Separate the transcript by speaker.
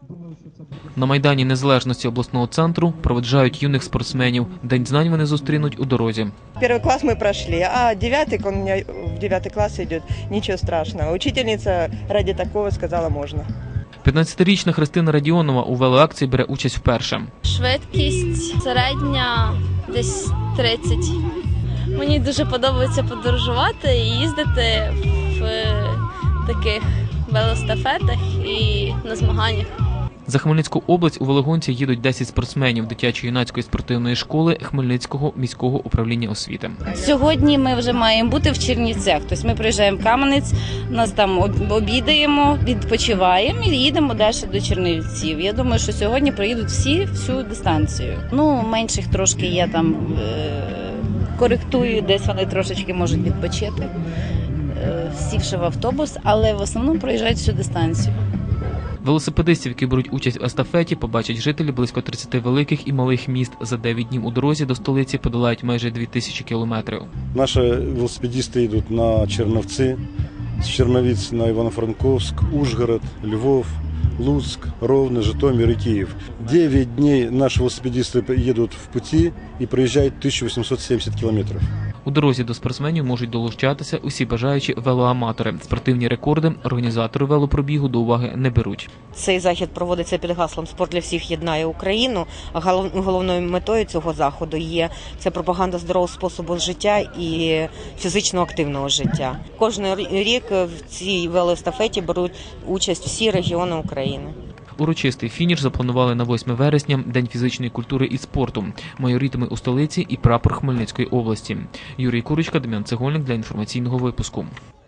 Speaker 1: На Майдані Незалежності обласного центру проведжають юних спортсменів. День знань вони зустрінуть у дорозі.
Speaker 2: Первый класс мы прошли, а девятый, он у меня в 9 класс идет, ничего страшного. Учительница ради такого сказала можно.
Speaker 1: 15-річна Христина Радіонова у велоакції бере участь вперше.
Speaker 3: Швидкість середня десь 30. Мені дуже подобається подорожувати і їздити в таких велостафетах і на змаганнях.
Speaker 1: За Хмельницьку область у велогонці їдуть 10 спортсменів дитячо-юнацької спортивної школи Хмельницького міського управління освіти.
Speaker 4: Сьогодні ми вже маємо бути в Чернівцях. Тобто ми приїжджаємо в Кам'янець, нас там обідаємо, відпочиваємо і їдемо далі до Чернівців. Я думаю, що сьогодні проїдуть всю дистанцію. Ну, менших трошки я там коректую, десь вони трошечки можуть відпочити, сівши в автобус, але в основному проїжджають всю дистанцію.
Speaker 1: Велосипедистів, які беруть участь в естафеті, побачать жителі близько 30 великих і малих міст. За 9 днів у дорозі до столиці подолають майже 2000 кілометрів.
Speaker 5: Наші велосипедисти йдуть на Черновці, з Черновиць на Івано-Франковськ, Ужгород, Львов, Луцк, Ровно, Житомир і Київ. 9 днів наші велосипедисти їдуть в путі і проїжджають 1870 кілометрів.
Speaker 1: У дорозі до спортсменів можуть долучатися усі бажаючі велоаматори. Спортивні рекорди організатори велопробігу до уваги не беруть.
Speaker 6: Цей захід проводиться під гаслом «Спорт для всіх єднає Україну». Головною метою цього заходу є це пропаганда здорового способу життя і фізично активного життя. Кожен рік в цій велоестафеті беруть участь всі регіони України.
Speaker 1: Урочистий фініш запланували на 8 вересня, День фізичної культури і спорту. Майоритиме у столиці і прапор Хмельницької області. Юрій Курочка, Дем'ян Цегольник для інформаційного випуску.